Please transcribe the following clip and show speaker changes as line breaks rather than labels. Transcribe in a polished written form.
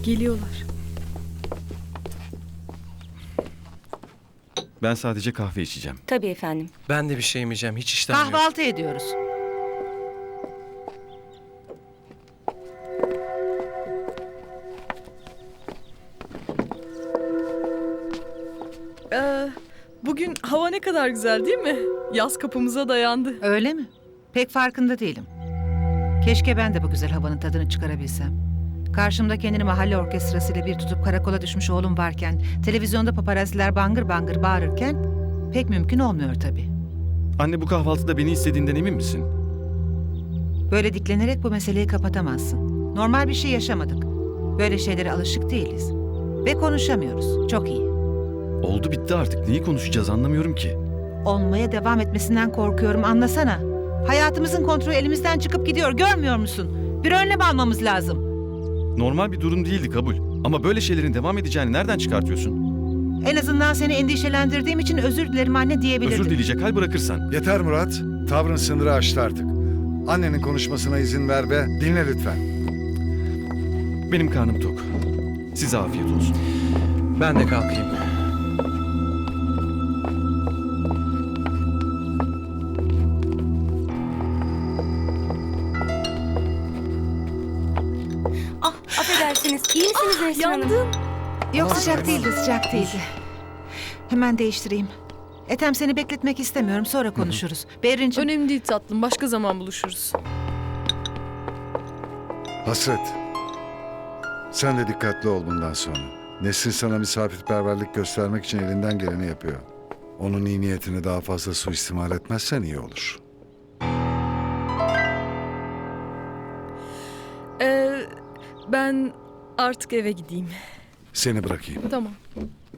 Geliyorlar.
Ben sadece kahve içeceğim.
Tabii efendim.
Ben de bir şey yemeyeceğim. Hiç iştahım yok.
Kahvaltı ediyoruz.
Bugün hava ne kadar güzel değil mi? Yaz kapımıza dayandı.
Öyle mi? Pek farkında değilim. Keşke ben de bu güzel havanın tadını çıkarabilsem. Karşımda kendini mahalle orkestrasıyla bir tutup karakola düşmüş oğlum varken, televizyonda paparaziler bangır bangır bağırırken pek mümkün olmuyor tabii.
Anne, bu kahvaltıda beni istediğinden emin misin?
Böyle diklenerek bu meseleyi kapatamazsın. Normal bir şey yaşamadık. Böyle şeylere alışık değiliz. Ve konuşamıyoruz. Çok iyi.
Oldu bitti artık. Neyi konuşacağız anlamıyorum ki.
Olmaya devam etmesinden korkuyorum, anlasana. Hayatımızın kontrolü elimizden çıkıp gidiyor, görmüyor musun? Bir önlem almamız lazım.
Normal bir durum değildi, kabul. Ama böyle şeylerin devam edeceğini nereden çıkartıyorsun?
En azından seni endişelendirdiğim için özür dilerim anne diyebilirdim.
Özür dileyecek hal bırakırsan.
Yeter Murat. Tavrın sınırı aştı artık. Annenin konuşmasına izin ver ve dinle lütfen.
Benim karnım tok. Size afiyet olsun.
Ben de kalkayım.
Ah, affedersiniz. İyi misiniz Nesrin Hanım?
Yandın.
Yok, sıcak değildi, sıcak değildi. Hemen değiştireyim. Ethem, seni bekletmek istemiyorum, sonra konuşuruz. Berrin'ciğim,
Önemli değil tatlım. Başka zaman buluşuruz.
Hasret. Sen de dikkatli ol bundan sonra. Nesrin sana misafirperverlik göstermek için elinden geleni yapıyor. Onun iyi niyetini daha fazla suistimal etmezsen iyi olur.
Ben artık eve gideyim.
Seni bırakayım.
Tamam.